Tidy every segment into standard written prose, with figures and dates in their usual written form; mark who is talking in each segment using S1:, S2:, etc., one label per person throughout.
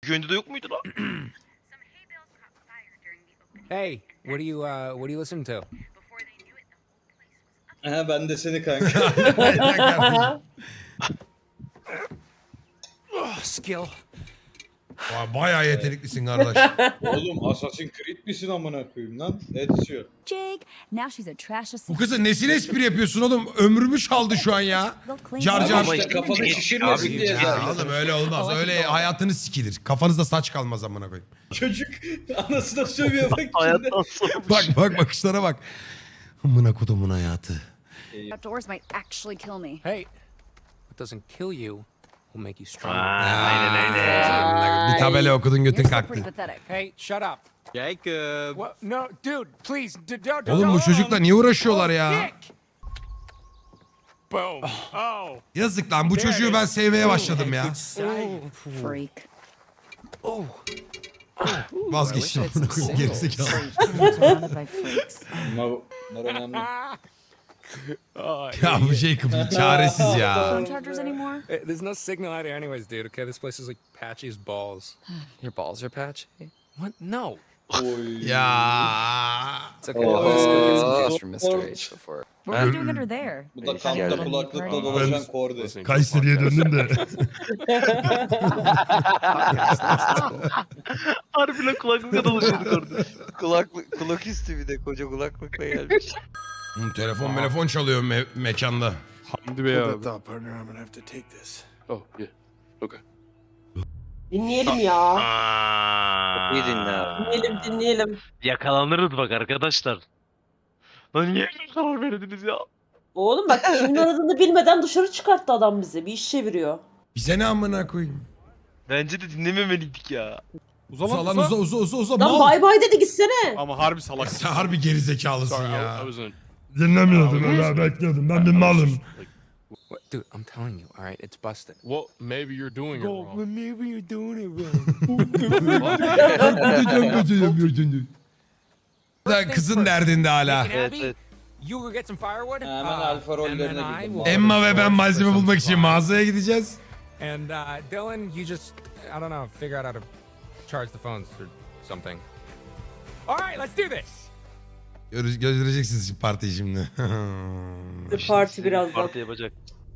S1: Gönlü de yok muydu lan?
S2: Hey, what are you listening to?
S3: He ben de seni kanka.
S2: Skill.
S4: Vay, bayağı yeteneklisin kardeş.
S3: Oğlum Assassin's Creed misin amına koyayım lan? Ezio.
S5: Jake, now she's a trash
S4: Bu kızın nesine espri yapıyorsun oğlum? Ömrümü çaldı şu an ya. Car car.
S3: Ama işte kafanı şişirmesin
S1: Abi,
S3: diye
S4: Ya
S3: zaten.
S4: oğlum öyle olmaz. Öyle hayatınız sikilir. Kafanızda saç kalmaz amına koyayım.
S3: Çocuk anasına sövüyor bak içinde.
S1: Hayattan sonra.
S4: Bak bakışlara bak. Amına kodumun hayatı.
S5: outdoors might actually kill me.
S2: Hey, what doesn't kill you will make you stronger.
S1: Aynen öyle.
S4: Bir tabela okudun götün
S5: You're still pretty
S4: kalktı.
S5: pathetic.
S2: Hey, shut up.
S6: Jacob.
S2: What? No, dude, please, don't.
S4: Oğlum bu çocukla niye uğraşıyorlar ya?
S2: Boom. Oh.
S4: Yazık lan bu çocuğu ben sevmeye başladım ya.
S5: Freak.
S4: Vazgeçtim amına koyayım gerizekalı.
S5: Surrounded by freaks.
S3: Bunlar önemli.
S4: Ya bu şey çaresiz ya.
S5: Phone chargers anymore?
S2: There's no signal out here anyways, dude, okay? This place is like patchy as balls.
S6: Your balls are patchy.
S2: What? No.
S3: Oy.
S4: Ya.
S6: It's okay. I'll just go get some juice from Mr. H before.
S5: What are you doing under there?
S3: Bu da
S5: Trying to
S3: kampta
S5: go to a
S3: kulaklıkla
S5: party?
S3: dolaşan korde.
S4: Kayseri'ye döndüm de.
S1: Harbi lan kulaklıkla dolaşıyorduk orada.
S6: Kulak üstü bir de koca kulaklıkla gelmiş.
S4: Telefon çalıyor mekanda.
S7: Hamdi Bey abi.
S8: Dinleyelim ya.
S6: İyi dinle abi.
S8: Dinleyelim.
S1: Yakalanırız bak arkadaşlar. Lan niye karar verdiniz ya?
S8: Oğlum bak kimin aradığını bilmeden dışarı çıkarttı adam bizi. Bir iş çeviriyor.
S4: Bize ne amına koyayım?
S1: Bence de dinlememeliydik ya.
S7: Uza
S4: Uza
S7: lan
S4: lan uza
S8: Lan
S4: mal.
S8: bay bay dedi gitsene.
S7: Ama harbi salak.
S4: Sen harbi gerizekalısın
S7: Sorry,
S4: ya.
S7: I was in.
S4: Dinlemiyordum öyle bekliyordum. Ben bir malım.
S2: What? Dude, I'm telling you, all right, it's busted.
S7: Well, maybe you're doing it wrong.
S2: Maybe you're doing it wrong.
S4: Kızın derdinde hala.
S1: Evet evet.
S2: You go get some firewood.
S3: Hemen alfa rollerine
S2: and then I
S3: girdim.
S2: will-
S4: Emma ve ben malzeme bulmak için mağazaya gideceğiz.
S2: And Dylan, you just, I don't know, figure out how to charge the phones or something. All right, let's do this.
S4: Göreceksiniz şimdi partiyi şimdi.
S8: Parti birazdan.
S1: Parti yapacak.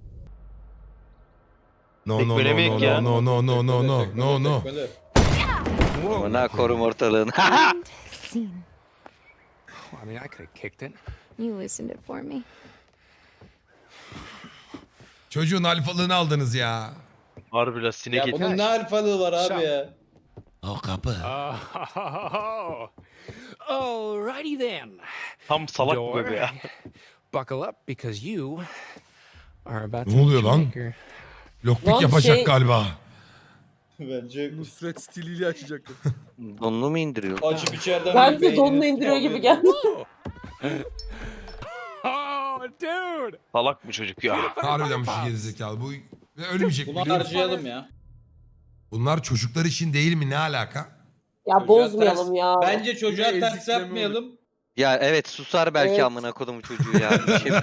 S4: No
S1: Tek
S4: no
S1: böyle
S4: no
S1: mi
S4: no
S1: ya?
S4: no no no no no
S3: Tekmele,
S4: no no.
S3: tekmele.
S6: Buna korum ortalığını.
S5: Scene.
S2: I mean, I could have kicked it.
S5: You loosened it for me.
S4: Çocuğun alfalığını aldınız ya.
S1: Harbi la sinek
S3: Ya
S1: eti.
S3: bunun ne alfalığı var abi ya?
S4: O kapı.
S2: Alrighty then.
S1: Tam salak bu
S2: Door,
S1: bebe ya.
S2: buckle up because you are about
S4: Ne
S2: to
S4: oluyor
S2: meet
S4: lan?
S2: your maker.
S4: Lockpick
S8: Lan
S4: yapacak
S8: şey-
S4: galiba.
S3: Bence
S7: Nusret stiliyle açacaktı.
S6: Donunu mu indiriyor?
S3: açıp içeriden
S8: Ben
S3: bir
S8: de
S3: beynini
S8: donunu indiriyor gibi geldi.
S2: Oh, dude!
S1: Salak bu çocuk ya.
S4: Harbiden bir şey gerizekalı. Bu ve ölmeyecek.
S3: Bunu harcayalım ya.
S4: Bunlar çocuklar için değil mi? Ne alaka?
S8: Ya bozmayalım ya.
S3: Bence çocuğa
S7: Yine
S3: ters
S7: ezikleme
S3: yapmayalım.
S6: Ya evet susar belki
S8: Evet.
S6: amına kodumu çocuğu ya. Bir şey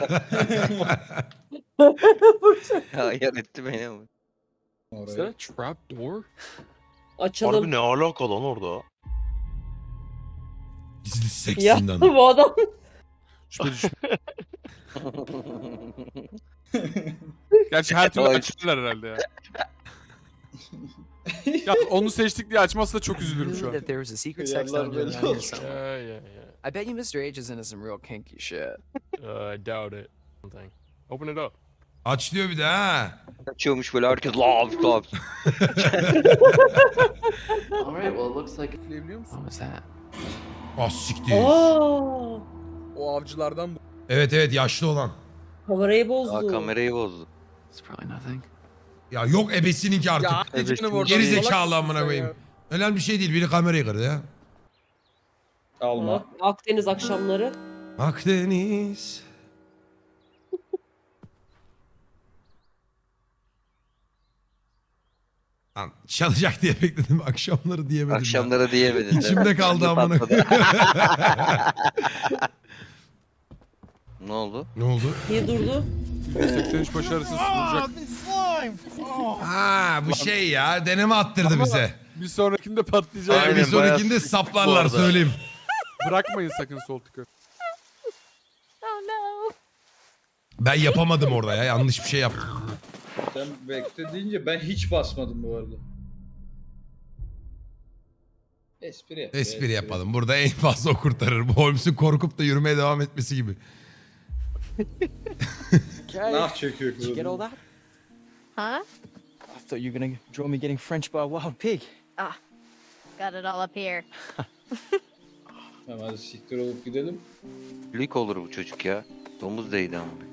S6: ya yer etti beni ama.
S7: Is that a trap door?
S8: Açalım.
S1: Harbi ne alaka lan orada?
S4: Gizli seks
S8: Ya
S4: zindanı.
S8: bu adam.
S7: Şüphe düşme. Gerçi her türlü
S6: Ay.
S7: açılırlar herhalde ya. Ya onu seçtik diye açmazsa çok üzülürüm şu an.
S9: That there was a secret
S3: Yeah,
S9: sex
S3: love
S9: dungeon
S3: it.
S9: around here somewhere.
S7: Yeah.
S9: I bet you Mr. H is into some real kinky shit.
S7: I doubt it. Open it up.
S4: Aç diyor bir de ha.
S6: Açıyormuş böyle herkes lav lav.
S9: All right, well it looks like.
S7: Biliyor musun?
S9: What was that?
S4: Ah siktir.
S8: Aa,
S7: O avcılardan bu.
S4: Evet yaşlı olan.
S8: kamerayı
S6: Aa,
S8: bozdu.
S6: kamerayı bozdu.
S9: It's probably nothing.
S4: Ya yok ebesininki artık.
S7: Ya
S1: Evet,
S7: canım orada.
S4: Geri
S7: Salak
S4: zekalı
S7: mısın
S4: amına
S7: sen
S4: koyayım.
S7: ya?
S4: Önemli bir şey değil. Biri kamerayı kırdı ya.
S3: Alma.
S8: Akdeniz akşamları.
S4: Akdeniz. Lan çalacak diye bekledim. Akşamları diyemedim. ya.
S6: Akşamlara diyemedin.
S4: İçimde kaldı amına.
S6: Patladı. Ne oldu?
S4: Ne oldu?
S8: Niye durdu?
S7: %83 başarısız sunulacak.
S4: Ha bu şey ya deneme attırdı bize.
S7: Bir sonrakinde patlayacak.
S6: Aynen,
S4: Bir
S6: bayağı
S4: sonrakinde
S6: sıkıntı bu
S4: saplarlar
S6: arada.
S4: söyleyeyim.
S7: Bırakmayın sakın sol tıkı.
S5: Oh no.
S4: Ben yapamadım orada ya. Yanlış bir şey yaptım.
S3: Sen bekle deyince ben hiç basmadım bu arada. Espri yap.
S4: Espri yapalım. Burada en fazla o kurtarır. Bu Holmes'un korkup da yürümeye devam etmesi gibi.
S3: Nah çekiyor
S9: Did you get all
S3: kızım.
S9: that?
S5: Huh?
S9: I thought you were gonna draw me getting French by a wild pig.
S5: Ah, got it all up here.
S3: Tamam hadi siktir olup gidelim.
S6: Lik olur bu çocuk ya. Domuz değdi ama.